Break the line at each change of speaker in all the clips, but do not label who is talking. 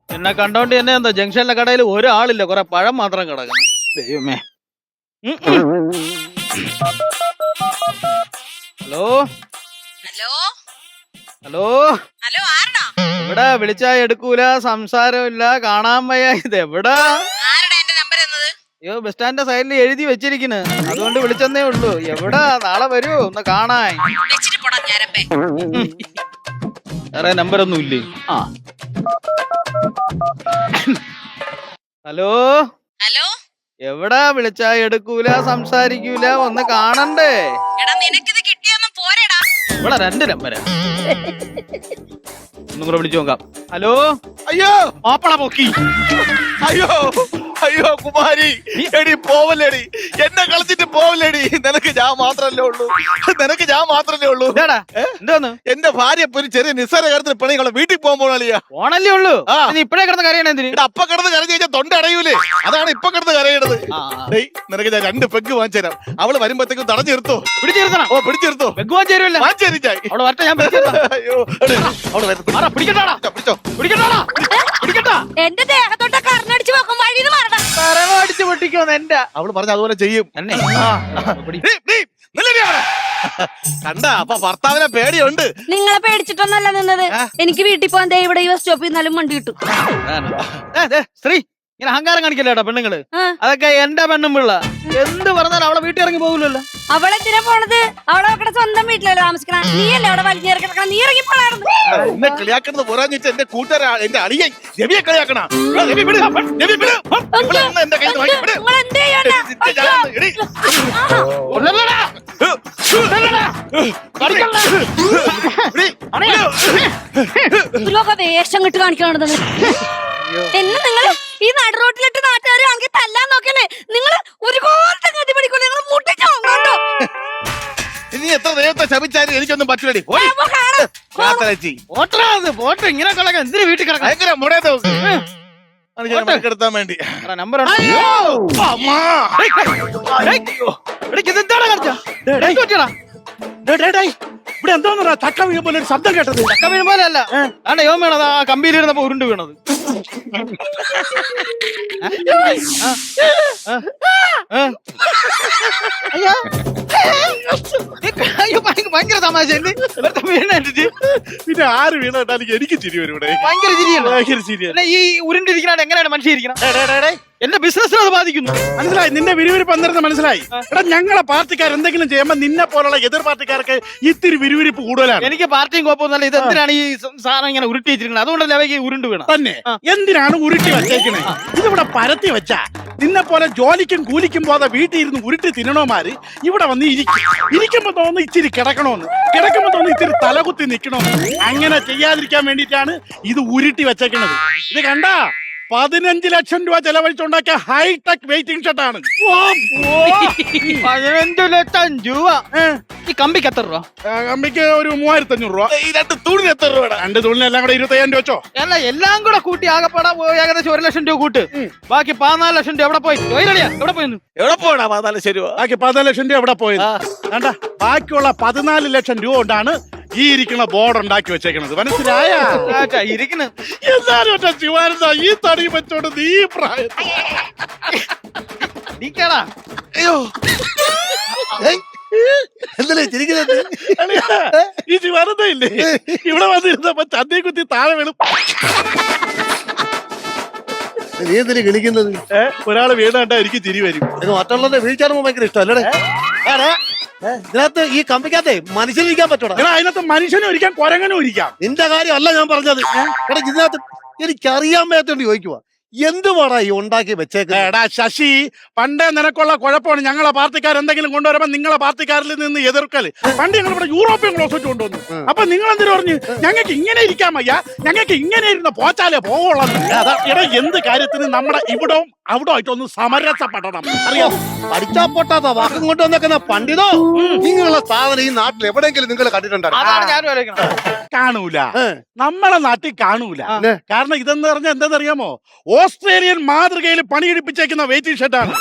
എന്നെ കണ്ടോണ്ട് തന്നെ എന്താ ജംഗ്ഷനിലെ കടയിൽ ഒരാളില്ല, കുറെ പഴം മാത്രം കിടക്കുന്നു. ദൈവമേ. ഹലോ
ഹലോ
ഹലോ,
ഹലോ ആരടാ?
എവിടാ? വിളിച്ചാ എടുക്കൂല, സംസാരമില്ല, കാണാൻ വയ്യ. ഇത് എവിടാ?
ആരടാ എന്റെ നമ്പർ എന്നത്?
അയ്യോ, ബസ് സ്റ്റാൻഡിന്റെ സൈഡിൽ എഴുതി വെച്ചിരിക്കുന്നു, അതുകൊണ്ട് വിളിച്ചെന്നേ ഉള്ളൂ. എവിടാ? നാളെ വരൂ ഒന്ന് കാണാൻ.
വെച്ചിട്ട് പോടാ ഞാരപ്പേ.
വേറെ നമ്പരൊന്നും ഇല്ലേ? ആ, ഹലോ
ഹലോ
എവിടാ? വിളിച്ചാ എടുക്കൂല, സംസാരിക്കൂല, ഒന്ന് കാണണ്ടേ?
എടാ നിനക്കിത് കിട്ടിയൊന്നും പോരെടാ.
ഇവിടെ 2 നമ്പരാ. ഒന്നും കൂടെ വിളിച്ചു നോക്കാം. ഹലോ.
അയ്യോ
മാപ്പള പൊക്കി.
അയ്യോ അയ്യോ കുമാരി, എടി പോവല്ലേടി, എന്നെ കളിച്ചിട്ട് പോവല്ലേടി. നിനക്ക് ഞാൻ മാത്രല്ലേ ഉള്ളൂ, നിനക്ക് ഞാൻ മാത്രല്ലേ ഉള്ളൂ.
ഇതാടാ എന്തോന്ന്?
എന്റെ ഭാര്യ ഇപ്പൊ ഒരു ചെറിയ നിസ്സാര കാര്യത്തിന് പണികളെ വീട്ടിൽ പോകാൻ പോകണല്ലിയാ.
ഓണല്ലേ ഉള്ളൂ.
ആ.
നീ ഇപ്പഴേ കിടന്ന് കരയണേ എന്തിന്?
എടാ അപ്പ കിടന്ന് കരഞ്ഞു കഴിഞ്ഞാൽ തൊണ്ട അടയൂലേ, അതാണ് ഇപ്പൊ കിടന്ന് കരയണത്. ഡേയ് നിനക്ക് ഞാൻ 2 പെഗ് വാങ്ങിച്ചു തരാം. അവള് വരുമ്പോഴത്തേക്കും തടഞ്ഞു നിർത്തോ.
പിടിച്ചിരുത്തണം.
ഓ പിടിച്ചെടുത്തോ.
വെക്കുവാൻ ചേരുവല്ല.
വാങ്ങിച്ചേരിച്ചായി.
അവിടെ വരട്ടെ, ഞാൻ പിടിച്ചിരുത്താം.
അയ്യോ അവള് വരുന്നു.
പിടിക്കട്ടാടാ,
പിടിച്ചോ
പിടിക്കട്ടാടാ, പിടിക്കട്ടാ.
എന്റെ ദേഹത്തോട്ട് കറന്നടിച്ച് വെക്കും വഴിന്ന് മാറടാ.
അടിച്ചു പൊട്ടിക്കോന്ന് എന്റെ.
അവള് പറഞ്ഞ അതുപോലെ ചെയ്യും.
എന്നെ
കണ്ട അപ്പൊ ഭർത്താവിനെ പേടിയുണ്ട്.
നിങ്ങളെ പേടിച്ചിട്ടൊന്നല്ല നിന്നത്. എനിക്ക് വീട്ടിൽ പോകാൻ ദേ ഇവിടെ ഈ ബസ് സ്റ്റോപ്പിൽ നിന്നാലും വണ്ടി കിട്ടും.
സ്ത്രീ ഇങ്ങനെ അഹങ്കാരം കാണിക്കല്ലേടാ പെണ്ണുങ്ങള്. അതൊക്കെ എന്റെ പെണ്ണും പിള്ള. എന്ത് പറഞ്ഞാലും അവളെ വീട്ടിൽ ഇറങ്ങി പോകില്ലല്ലോ.
അവളെന്തിനാ പോണത്? അവളെ അവരുടെ സ്വന്തം വീട്ടിലല്ലേ താമസിക്കണ. നീയല്ലേ അവിടെ വലിഞ്ഞേറി കിടക്കണം. നീ ഇറങ്ങി പോണായിരുന്നു.
എന്നെ കളിയാക്കുന്നത് പോരാന്ന് വെച്ചാൽ എന്റെ കൂട്ടുകാര എന്റെ അളിയൻ രവിയെ കളിയാക്കണ. രവി വിട്, രവി വിട്. ഇവിടെ നിന്ന് എന്റെ കയ്യിൽ നിന്ന് വാങ്ങി വിട്.
നിങ്ങൾ എന്ത് ചെയ്യാനാ?
എടി.
ഇതിലൊക്കെ വേഷം കിട്ട് കാണിക്കണത് എന്നെ. നിങ്ങൾ ഈ നടുറോട്ടിലിട്ട് നാട്ടുകാർ അങ്ങ് തല്ലാൻ നോക്കല്ലേ? നിങ്ങൾ ഒരു കോലത്തെ ഗതി പിടിക്കൂല. നിങ്ങൾ മുട്ടിച്ചോ കണ്ടോ?
ഇനി എത്ര ദൈവത്തെ ശപിച്ചാലും എനിക്കൊന്നും പറ്റില്ലടി.
പോട്ടെ
ഇങ്ങനെ കളയാൻ എന്തിനു വീട്ടിൽ കിടക്കാം?
ഭയങ്കര മുടയത്തെ എടുത്താൻ വേണ്ടി
നമ്പർ
ഇവിടെ എന്തോന്നാ ചക്ക വീഴും പോലെ ഒരു ശബ്ദം കേട്ടത്?
ചക്ക വീഴും പോലെ അല്ല, ആണ്ടെ യോം വീണത്. ആ കമ്പിയിലിരുന്നപ്പോ ഉരുണ്ട് വീണത്. ഭയങ്കര തമാശ. വീണിട്ട്
പിന്നെ ആര് വീണിട്ടാലും എനിക്ക് ചിരി വരും ഇവിടെ.
ഭയങ്കര ചിരിയാണ്.
ഭയങ്കര ചിരിയാണ്.
ഈ ഉരുണ്ടിരിക്കണ എങ്ങനെയാണ് മനുഷ്യ ഇരിക്കണം? എന്റെ ബിസിനസ്സിനെ അത് ബാധിക്കുന്നു.
മനസ്സിലായി, നിന്റെ വിരുവിരിപ്പ് എന്തെന്ന് മനസ്സിലായി. എടാ ഞങ്ങളെ പാർട്ടിക്കാർ എന്തെങ്കിലും ചെയ്യുമ്പോ നിന്നെ പോലുള്ള എതിർ പാർട്ടിക്കാർക്ക് ഇത്തിരി വിരുവിരിപ്പ് കൂടുതലാണ്.
എനിക്ക് പാർട്ടിയും കുഴപ്പമൊന്നുമല്ല. ഇത് എന്തിനാണ് ഈ സാധനം ഇങ്ങനെ ഉരുട്ടി വെച്ചിരിക്കുന്നത്? അതുകൊണ്ടല്ലേ അവയ്ക്ക് ഉരുണ്ട് വീണ.
തന്നെ എന്തിനാണ് ഉരുട്ടി വച്ചേക്കണേ? ഇതിവിടെ പരത്തി വെച്ചാ നിന്നെ പോലെ ജോലിക്കും കൂലിക്കും പോകാതെ വീട്ടിൽ ഇരുന്ന് ഉരുട്ടി തിന്നണോമാര് ഇവിടെ വന്ന് ഇരിക്കുമ്പോ തോന്നുന്നു ഇച്ചിരി കിടക്കണോന്ന്, കിടക്കുമ്പോ തോന്നുന്നു ഇച്ചിരി തലകുത്തി നിക്കണോന്ന്. അങ്ങനെ ചെയ്യാതിരിക്കാൻ വേണ്ടിയിട്ടാണ് ഇത് ഉരുട്ടി വെച്ചേക്കണത്. ഇത് കണ്ടാ 15 ലക്ഷം രൂപ ചെലവഴിച്ചുണ്ടാക്കിയ ഹൈടെക് വെയിറ്റിംഗ് ഷർട്ടാണ്.
15 ലക്ഷം രൂപ. ഈ കമ്പിക്ക് എത്ര രൂപ?
കമ്പിക്ക് ഒരു 3500 രൂപ.
ഈ 2 തൂണിന് എത്ര രൂപ?
2 തൂണിന് എല്ലാം കൂടെ 25,000 രൂപ വെച്ചോ.
അല്ല, എല്ലാം കൂടെ കൂട്ടി ആകെപ്പാടാ ഏകദേശം 1 ലക്ഷം രൂപ കൂട്ട്. ബാക്കി 14 ലക്ഷം രൂപ എവിടെ പോയി? എവിടെ പോയി?
എവിടെ പോടാ 14 ശരി.
ബാക്കി 14 ലക്ഷം രൂപ എവിടെ പോയത്? കണ്ട ബാക്കിയുള്ള 14 ലക്ഷം രൂപ കൊണ്ടാണ് ഈ ഇരിക്കുന്ന ബോർഡ് ഉണ്ടാക്കി വെച്ചേക്കണത്. മനസ്സിലായ?
ഇരിക്കുന്നു.
എന്നാലും ശിവാനന്ദ ഈ തടി വെച്ചോണ്ട് നീ പ്രായത്തിൽ
അയ്യോ എന്തല്ലേ ചിരിക്കുന്നത്?
ഈ ശിവാനന്ദ ഇല്ലേ ഇവിടെ വന്നിരുന്നപ്പോ ചന്തേ കുത്തി താഴെ വീണു.
നീ എന്തിനു കളിക്കുന്നത്?
ഒരാള് വീണ് കണ്ടാ എനിക്ക് ചിരി വരും.
മറ്റുള്ളവരുടെ വീഴ്ചാണ് ഭയങ്കര ഇഷ്ടമല്ലേ? ഇതിനകത്ത് ഈ കമ്പിക്കകത്തെ മനുഷ്യനിരിക്കാൻ പറ്റൂടാ.
എടാ അതിനകത്ത് മനുഷ്യനും ഇരിക്കാം കുരങ്ങനും ഇരിക്കാം.
നിന്റെ കാര്യമല്ല ഞാൻ പറഞ്ഞത്. എടാ ഇതിനകത്ത് എനിക്കറിയാൻ മേത്തോണ്ട് ചോദിക്കുവാ, എന്തുവാടാ ഈ ഉണ്ടാക്കി വെച്ചേക്ക?
എടാ ശശി, പണ്ടേ നിനക്കുള്ള കുഴപ്പമാണ് ഞങ്ങളെ പാർട്ടിക്കാർ എന്തെങ്കിലും കൊണ്ടുവരുമ്പോ നിങ്ങളെ പാർട്ടിക്കാരിൽ നിന്ന് എതിർക്കല്. പണ്ട് ഞങ്ങൾ ഇവിടെ യൂറോപ്യൻ ക്ലോസറ്റ് കൊണ്ടുവന്നു. അപ്പൊ നിങ്ങൾ എന്തിനു പറഞ്ഞു ഞങ്ങൾക്ക് ഇങ്ങനെ ഇരിക്കാൻ വയ്യ, ഞങ്ങൾക്ക് ഇങ്ങനെ ഇരുന്ന് പോച്ചാലേ പോവുള്ളൂ. എടാ എന്ത് കാര്യത്തിന് നമ്മുടെ ഇവിടവും അവിടെ ആയിട്ടൊന്ന് സമരസപ്പെടണം അറിയാം.
പഠിച്ചാ പൊട്ടാത്ത വാക്കും കൊണ്ട് വന്നേക്കുന്ന പണ്ഡിതോ നിങ്ങളുള്ള സാധനം ഈ നാട്ടിൽ എവിടെയെങ്കിലും നിങ്ങൾ കണ്ടിട്ടുണ്ടോ?
അതാണ് ഞാനും ആലോചിക്കണം.
കാണൂല, നമ്മളെ നാട്ടിൽ കാണൂല. കാരണം ഇതെന്ന് പറഞ്ഞാൽ എന്താണെന്നറിയാമോ, ഓസ്ട്രേലിയൻ മാതൃകയിൽ പണിയെടുപ്പിച്ചേക്കുന്ന വെയിറ്റിംഗ് ഷർട്ടാണ്.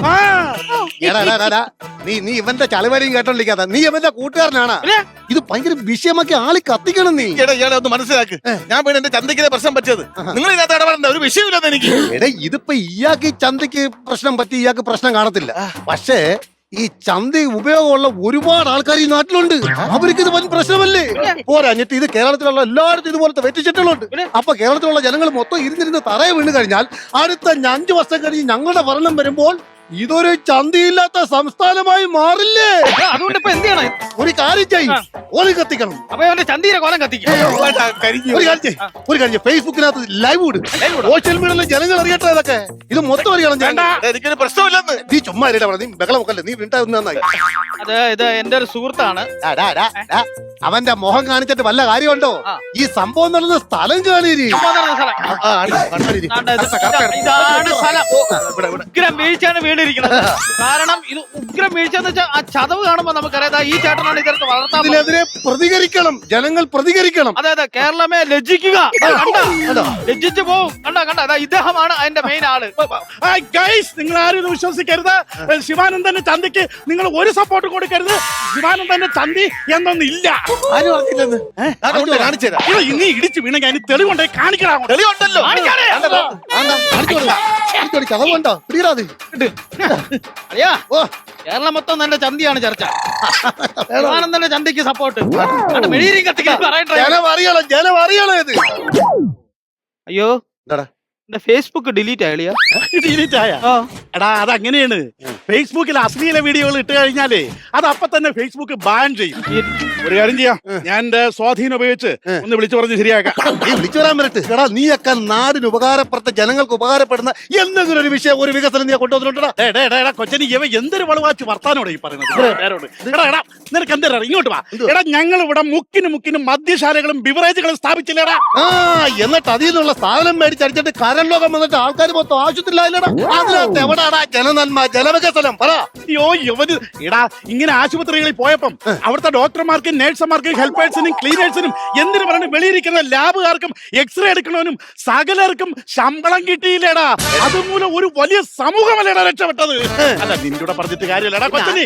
നീ ഇവന്റെ ചളിവടിയും കേട്ടോണ്ടിരിക്കാത്ത, നീ ഇവന്റെ കൂട്ടുകാരനാണ്. ഇത് ഭയങ്കര വിഷയമാക്കി ആളി കത്തിക്കണം നീ.
ഇയാളെ ഒന്ന് മനസ്സിലാക്ക്. ഞാൻ വീട് എന്റെ ചന്തയ്ക്ക് പ്രശ്നം പറ്റിയത് നിങ്ങൾ ഇതിനകത്ത് ഇടപെടേണ്ട ഒരു വിഷയമില്ലെന്ന് എനിക്ക്.
എടേ ഇതിപ്പോ ഇയാൾക്ക് ഈ ചന്തയ്ക്ക് പ്രശ്നം പറ്റി, ഇയാൾക്ക് പ്രശ്നം കാണത്തില്ല. പക്ഷേ ഈ ചന്ത ഉപയോഗമുള്ള ഒരുപാട് ആൾക്കാർ ഈ നാട്ടിലുണ്ട്. അവർക്ക് ഇത് വൻ പ്രശ്നമല്ലേ? പോരാഞ്ഞിട്ട് ഇത് കേരളത്തിലുള്ള എല്ലായിടത്തും ഇതുപോലത്തെ വെറ്റിച്ചെട്ടുകളുണ്ട്. അപ്പൊ കേരളത്തിലുള്ള ജനങ്ങൾ മൊത്തം ഇരുന്നിരുന്ന് തറയെ വീണ് കഴിഞ്ഞാൽ അടുത്ത 5 വർഷം കഴിഞ്ഞ് ഞങ്ങളുടെ ഭരണം വരുമ്പോൾ ഇതൊരു ചന്തയില്ലാത്ത സംസ്ഥാനമായി മാറില്ലേ?
അതുകൊണ്ട് ഇപ്പൊ എന്ത് ചെയ്യണം?
ഒരു കാര്യം ചെയ്യും, ഓലി കത്തിക്കണം.
അപ്പൊ അവന്റെ ചന്തീരെ കോലം കത്തിക്കും.
ഒരു കാര്യം ഫേസ്ബുക്കിനകത്ത് ലൈവ് ഇടും, സോഷ്യൽ മീഡിയയിലെ ജനങ്ങൾ അറിയട്ടെ. ഇതൊക്കെ ഇത് മൊത്തം അറിയണം.
എനിക്കൊരു പ്രശ്നമില്ലെന്ന്.
നീ ചുമ്മാ നീ ബഹളമൊക്കല്ലേ, നീ വീണ്ടാ നന്നായി.
ഇത് എന്റെ ഒരു സുഹൃത്താണ്.
അവന്റെ മുഖം കാണിച്ചിട്ട് വല്ല കാര്യമുണ്ടോ? ഈ സംഭവം നടന്ന സ്ഥലം കാണീരി.
ഇതാണ് സ്ഥലം. ഉഗ്രം വീഴ്ചയാണ് വീണിരിക്കുന്നത്. കാരണം ഇത് ഉഗ്രം വീഴ്ച എന്ന് വെച്ചാൽ ആ ചതവ് കാണുമ്പോ നമുക്കറിയാം ഈ ചേട്ടനാണ് ഇതൊക്കെ വളർത്താൻ.
ഇതിനെതിരെ പ്രതികരിക്കണം, ജനങ്ങൾ പ്രതികരിക്കണം.
അതെ, കേരളമേ ലജ്ജിക്കുക. ലജ്ജിച്ചു പോവും. കണ്ട ഇദ്ദേഹമാണ് അതിന്റെ മെയിൻ ആള്.
നിങ്ങൾ ആരും വിശ്വസിക്കരുത്. ശിവാനന്ദന്റെ ചന്തയ്ക്ക് നിങ്ങൾ ഒരു സപ്പോർട്ട് കൊടുക്കരുത്. ശിവാനന്ദന്റെ ചന്തി എന്നൊന്നില്ല. ഇനി ഇടിച്ചു വീണെങ്കിൽ അതിന് തെളിവുണ്ടായി കാണിക്കണം.
തെളിവുണ്ടല്ലോ.
കഥവുണ്ടോ?
അയ്യാ, കേരളം മൊത്തം നല്ല ചന്തിയാണ് ചർച്ച. ശിവാനന്ദന്റെ ചന്തിക്ക് സപ്പോർട്ട്.
ജനം അറിയണം ഇത്.
അയ്യോ, എന്റെ ഫേസ്ബുക്ക് ഡിലീറ്റ് ആയില്ല.
ഡിലീറ്റ് ആയ? എടാ അതങ്ങനെയാണ്. ഫേസ്ബുക്കിൽ അശ്ലീല വീഡിയോകൾ ഇട്ട് കഴിഞ്ഞാലേ അത് അപ്പൊ തന്നെ ഫേസ്ബുക്ക് ബാൻ ചെയ്യും. ഒരു കാര്യം ചെയ്യാം, ഞാൻ എന്റെ സ്വാധീനം ഉപയോഗിച്ച് ഒന്ന് വിളിച്ചു പറഞ്ഞ് ശരിയാക്കാം.
നീ വിളിച്ചു പറയാൻ പറ്റേ? എടാ നീയൊക്കെ നാടിന് ഉപകാരപ്പെടുത്ത, ജനങ്ങൾക്ക് ഉപകാരപ്പെടുന്ന എന്തെങ്കിലും ഒരു വിഷയം, ഒരു വികസനം നീ കൊണ്ടുവന്നിട്ടുണ്ടോ?
കൊച്ചനി ഇവ എന്തൊരു വളവാച്ച് വർത്താനോടെ ഈ പറയുന്നത്. നിനക്ക് എന്താ ഇങ്ങോട്ട് വാ. എടാ ഞങ്ങൾ ഇവിടെ മുക്കിനും മദ്യശാലകളും ബിവറേജുകളും സ്ഥാപിച്ചില്ലേടാ.
എന്നിട്ട് അതിൽ നിന്നുള്ള സാധനം മേടിച്ചടിച്ചിട്ട് കരൺ ലോകം വന്നിട്ട് ആൾക്കാർ മൊത്തം ആശുപത്രിയിലായില്ലടാ. അതിനകത്ത് എവിടാടാ ജനനന്മ, ജനവികസനം? പറ.
അയ്യോ യവന് എടാ, ഇങ്ങനെ ആശുപത്രികളിൽ പോയപ്പം അവിടുത്തെ ഡോക്ടർമാർക്കും നഴ്സുമാർക്കും ഹെൽപ്പേഴ്സിനും ക്ലീനേഴ്സിനും എന്തിനു പറഞ്ഞു വെളിയിരിക്കുന്ന ലാബുകാർക്കും എക്സ്റേ എടുക്കണവനും സകലർക്കും ശമ്പളം കിട്ടിയില്ലേടാ. അതുമൂലം ഒരു വലിയ സമൂഹമല്ലേടാ രക്ഷപ്പെട്ടത്. അല്ല നിന്നോട് പറഞ്ഞിട്ട് കാര്യമല്ലടാ കൊച്ചനി.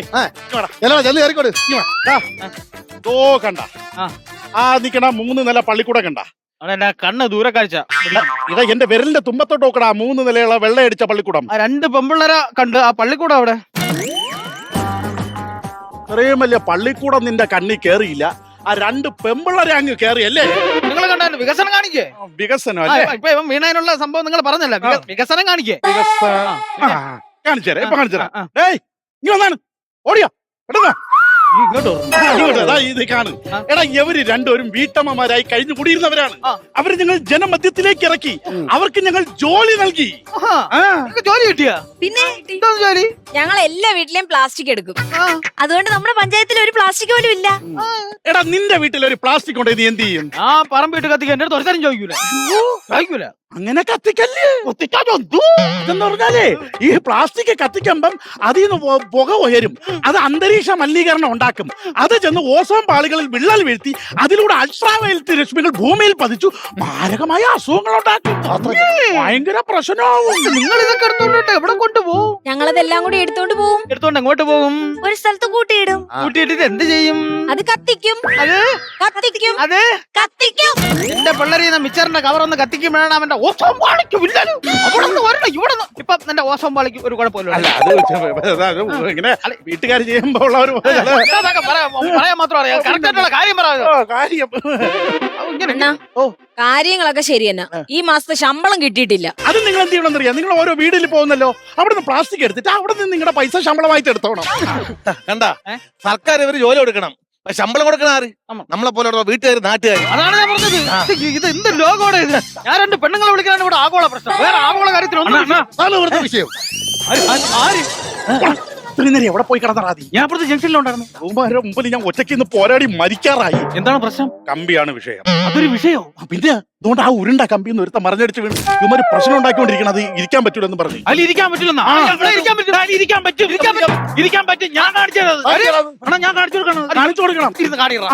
ഓ കണ്ട ആ നിക്കണ 3 നില പള്ളിക്കൂടം കണ്ട?
അതെന്നാ കണ്ണ് ദൂരക്കാഴ്ച.
ഇതാ എന്റെ വിരലിന്റെ തുമ്പത്തോട്ട് നോക്കടാ 3 നിലയുള്ള വെള്ളയടിച്ച പള്ളിക്കൂടം.
2 പെമ്പിള്ളേരെ കണ്ട് ആ പള്ളിക്കൂടം അവിടെ.
ഇത്രയും വലിയ പള്ളിക്കൂടം നിന്റെ കണ്ണി കേറിയില്ല, ആ 2 പെമ്പിള്ളേരെ അങ്ങ് കേറിയല്ലേ?
നിങ്ങൾ കണ്ടായിരുന്നു വികസനം കാണിക്കേ.
വികസനം
ഇപ്പൊ ഇവൻ വീണതിനുള്ള സംഭവം നിങ്ങൾ പറഞ്ഞല്ല. വികസനം കാണിക്കേ.
കാണിച്ചേരാ, ഇപ്പൊ കാണിച്ചേരാ. ഏയ് നീ വന്നാണ് ഓടിയോ എടാ ഇത് കാണും. എടാ ഇവര് രണ്ടുപേരും വീട്ടമ്മമാരായി കഴിഞ്ഞു കൂടിയിരുന്നവരാണ്. അവര് ഞങ്ങൾ ജനമധ്യത്തിലേക്ക് ഇറക്കി, അവർക്ക് ഞങ്ങൾ ജോലി നൽകി.
ജോലി കിട്ടിയ?
പിന്നെ
ജോലി
ഞങ്ങൾ എല്ലാ വീട്ടിലെയും പ്ലാസ്റ്റിക് എടുക്കും. അതുകൊണ്ട് നമ്മുടെ പഞ്ചായത്തിൽ ഒരു പ്ലാസ്റ്റിക് പോലും ഇല്ല.
എടാ നിന്റെ വീട്ടിൽ ഒരു പ്ലാസ്റ്റിക് ഉണ്ടെങ്കിൽ നീ എന്ത് ചെയ്യും?
ആ പറമ്പിട്ട് കത്തിക്കാൻ എന്റെ അടുത്ത് ഒരുത്തരം ചോദിക്കൂല.
അങ്ങനെ കത്തിക്കല്ലേ. ഇതെന്ന് പറഞ്ഞാലേ ഈ പ്ലാസ്റ്റിക് കത്തിക്കുമ്പം അതിൽ നിന്ന് പുക ഉയരും. അത് അന്തരീക്ഷ മലിനീകരണം ഉണ്ടാക്കും. അത് ചെന്ന് ഓസോൺ പാളികളിൽ വിള്ളൽ വീഴ്ത്തി അതിലൂടെ അൾട്രാവയലറ്റ് രശ്മികൾ ഭൂമിയിൽ പതിച്ചു മാരകമായ അസുഖങ്ങൾ ഉണ്ടാക്കും. ഭയങ്കര പ്രശ്നമാവും.
നിങ്ങൾ ഇതൊക്കെ എടുത്തോണ്ട് എവിടെ കൊണ്ടുപോകും?
ഞങ്ങളതെല്ലാം കൂടി എടുത്തോണ്ട് പോകും.
എടുത്തോണ്ട് എങ്ങോട്ട് പോകും?
ഒരു സ്ഥലത്ത് കൂട്ടിയിടും.
കൂട്ടിയിട്ടിട്ട് എന്ത് ചെയ്യും?
അത് കത്തിക്കും.
അത് കത്തിക്കും. എന്റെ പിള്ളേരെ മിച്ചറിന്റെ കവർ ഒന്ന് കത്തിക്കുമ്പോഴാണ് അവന്റെ ഓസോൺ പാളിക്ക് വില്ലല്. അവിടെ വരണം ഇവിടെ. ഇപ്പൊ എന്റെ ഓസോൺ പാളിക്ക് ഒരു കുഴപ്പമില്ല.
ഇങ്ങനെ വീട്ടുകാർ ചെയ്യുമ്പോ ഉള്ളവർ
പറയാൻ മാത്രം അറിയാം. കറക്റ്റായിട്ടുള്ള കാര്യം
കാര്യം
കാര്യങ്ങളൊക്കെ ശരി തന്നെ. ഈ മാസത്തെ ശമ്പളം കിട്ടിയിട്ടില്ല.
അത് നിങ്ങൾ എന്ത് ചെയ്യണമെന്നറിയാം? നിങ്ങൾ ഓരോ വീട്ടിൽ പോകുന്നല്ലോ, അവിടെ നിന്ന് പ്ലാസ്റ്റിക് എടുത്തിട്ട് അവിടെ നിന്ന് നിങ്ങളുടെ പൈസ ശമ്പളമായിട്ട് എടുത്തോണം.
കണ്ടാ സർക്കാർ ഇവര് ജോലി കൊടുക്കണം, ശമ്പളം കൊടുക്കണ ആര്? നമ്മളെ പോലെ വീട്ടുകാർ, നാട്ടുകാർ.
അതാണ് ഞാൻ പറഞ്ഞത്. ഇത് എന്ത് ലോകോടെ ഇത്? ഞാൻ 2 പെണ്ണുങ്ങളെ വിളിക്കാനാണ് ഇവിടെ ആഗോള പ്രശ്നം. വേറെ ആഗോള കാര്യത്തിലൊന്നും
വിഷയം.
ഇത്രയും നേരം എവിടെ പോയി കിടന്നറാ നീ?
ഞാൻ അപ്പുറത്ത് ജംഗ്ഷനിലുണ്ടായിരുന്നു.
ബഹുമാരുടെ മുമ്പിൽ ഞാൻ ഒറ്റയ്ക്ക് ഇന്ന് പോരാടി മരിക്കാറായി.
എന്താണ് പ്രശ്നം?
കമ്പിയാണ് വിഷയം.
അതൊരു വിഷയോ?
പിന്നെ അതുകൊണ്ട് ആ ഉരുണ്ട കമ്പി ഒന്ന് ഒരുത്ത മറിഞ്ഞടിച്ച് വീണ് ഇവര് പ്രശ്നം ഉണ്ടാക്കിക്കൊണ്ടിരിക്കണം. അത് ഇരിക്കാൻ പറ്റൂലെന്ന് പറഞ്ഞു.
അതിൽ ഇരിക്കാൻ പറ്റില്ലെന്നാ? ഇരിക്കാൻ പറ്റും. ഞാൻ കാണിച്ചത്. ഞാൻ കാണിച്ചു കൊടുക്കണം.
കാണിച്ചു കൊടുക്കണം.
ഇരുന്ന് കാണിടാ.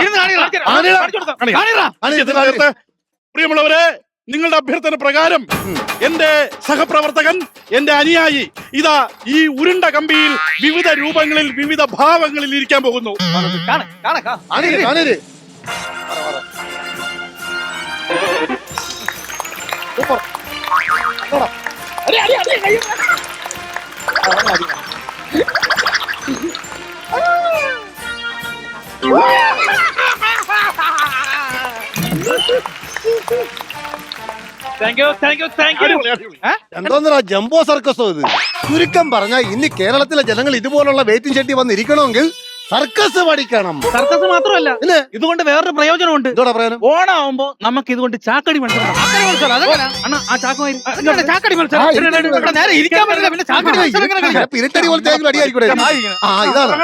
നേരത്തെ പ്രിയമുള്ളവരെ, നിങ്ങളുടെ അഭ്യർത്ഥന പ്രകാരം എന്റെ സഹപ്രവർത്തകൻ, എന്റെ അനുയായി ഇതാ ഈ ഉരുണ്ട കമ്പിയിൽ വിവിധ രൂപങ്ങളിൽ വിവിധ ഭാവങ്ങളിൽ ഇരിക്കാൻ പോകുന്നു.
എന്തോന്നാ ജംബോ സർക്കസോ ഇത്? ചുരുക്കം പറഞ്ഞാൽ ഇനി കേരളത്തിലെ ജനങ്ങൾ ഇതുപോലുള്ള വെയിറ്റിംഗ് ഷെട്ടി വന്ന് ഇരിക്കണമെങ്കിൽ സർക്കസ് പഠിക്കണം.
സർക്കസ് മാത്രമല്ല,
പിന്നെ
ഇതുകൊണ്ട് വേറൊരു പ്രയോജനമുണ്ട്.
എന്തോടാ പ്രയോജനം?
ഓണാവുമ്പോ നമുക്ക് ഇതുകൊണ്ട് ചാക്കടി മത്സരം. ചാക്കടി മത്സരം നേരെ ഇരിക്കാൻ പറ്റില്ല. പിന്നെ ചാക്കടി മത്സരം എങ്ങനെ കളിക്കാം?
പിരിട്ടടി പോലത്തെ അടിയായിരിക്കൂടെ? ആ ഇതാണ്.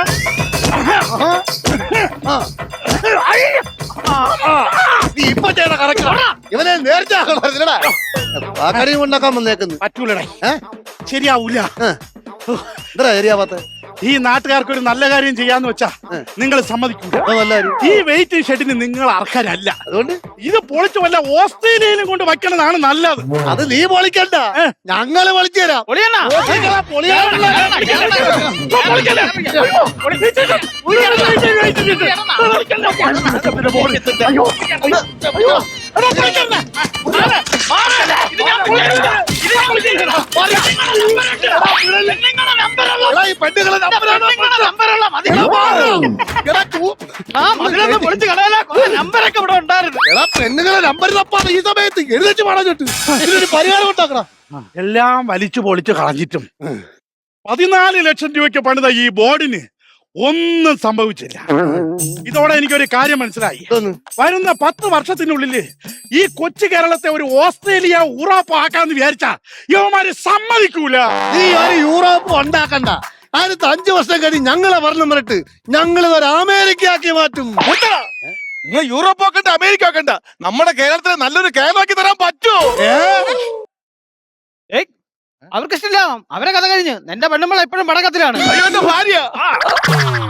നീ ഇപ്പൊ ചെയ്യണ കറക്റ്റാ. ഇവനെ നേരത്തെ ചാക്കടിയും ഉണ്ടാക്കാൻ വന്നേക്കുന്നു.
പറ്റൂലടേ, ശരിയാവൂല.
എന്താ ശരിയാവാത്ത?
ഈ നാട്ടുകാർക്ക് ഒരു നല്ല കാര്യം ചെയ്യാന്ന് വെച്ചാ നിങ്ങൾ സമ്മതിക്കൂല. ഈ വെയിറ്റിംഗ് ഷെഡിന് നിങ്ങൾ അർഹരല്ല.
അതുകൊണ്ട്
ഇത് പൊളിച്ചു വല്ല ഓസ്ട്രേലിയയിലും കൊണ്ട് വയ്ക്കണതാണ് നല്ലത്.
അത് നീ പൊളിക്കണ്ട, ഞങ്ങള് പൊളിച്ചു തരാം. പെണ്ണുങ്ങളെ നമ്പർ തപ്പാണ് ഈ സമയത്ത് എഴുതിച്ച് പാടാഞ്ഞിട്ട് ഇതിനൊരു പരിഹാരം ഉണ്ടാക്കണം.
എല്ലാം വലിച്ചു പൊളിച്ചു കളഞ്ഞിട്ടും 14 ലക്ഷം രൂപയ്ക്ക് പണിത ഈ ബോർഡിന് ഒന്നും സംഭവിച്ചില്ല. ഇതോടെ എനിക്കൊരു കാര്യം മനസ്സിലായി. വരുന്ന 10 വർഷത്തിനുള്ളില് ഈ കൊച്ചു കേരളത്തെ ഒരു ഓസ്ട്രേലിയ യൂറോപ്പാക്കാന്ന് വിചാരിച്ചാ യവന്മാര് സമ്മതിക്കൂല.
നീ ഒരു യൂറോപ്പ് ഉണ്ടാക്കണ്ട. അടുത്ത 5 വർഷം കഴിഞ്ഞ് ഞങ്ങളെ ഭരണം വരട്ട് ഞങ്ങൾ ഒരു അമേരിക്ക ആക്കി മാറ്റും.
നിങ്ങൾ യൂറോപ്പ് ആക്കണ്ട, അമേരിക്ക ആക്കണ്ട, നമ്മുടെ കേരളത്തിലെ നല്ലൊരു കേരളമാക്കി തരാൻ പറ്റുമോ?
അവർക്ക് ഇഷ്ടമില്ല. അവരെ കഥ കഴിഞ്ഞ്. എന്റെ പെണ്ണുമ്പോൾ എപ്പോഴും പടക്കത്തിലാണ്.
അയ്യോ, എന്റെ ഭാര്യ